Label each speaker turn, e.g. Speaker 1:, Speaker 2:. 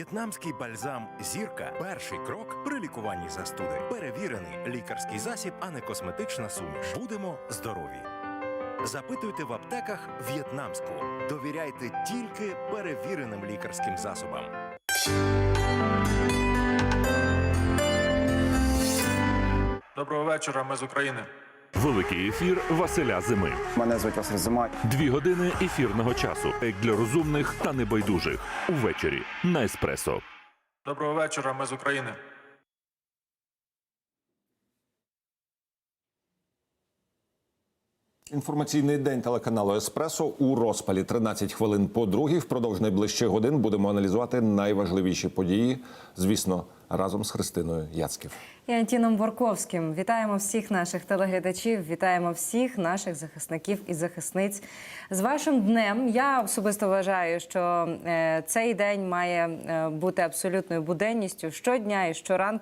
Speaker 1: В'єтнамський бальзам «Зірка» – перший крок при лікуванні застуди. Перевірений лікарський засіб, а не косметична суміш. Будемо здорові. Запитуйте в аптеках в'єтнамську. Довіряйте тільки перевіреним лікарським засобам.
Speaker 2: Доброго вечора, ми з України.
Speaker 3: Великий ефір Василя Зими.
Speaker 4: Мене звуть Василь Зима.
Speaker 3: 2 години ефірного часу. Як для розумних та небайдужих. Увечері на Еспресо.
Speaker 2: Доброго вечора, ми з України.
Speaker 5: Інформаційний день телеканалу «Еспресо» у розпалі. 13 хвилин по другій. Впродовж найближчих годин будемо аналізувати найважливіші події, звісно, разом з Христиною Яцьків.
Speaker 6: І Антіном Борковським. Вітаємо всіх наших телеглядачів, вітаємо всіх наших захисників і захисниць з вашим днем. Я особисто вважаю, що цей день має бути абсолютною буденністю щодня і щоранку.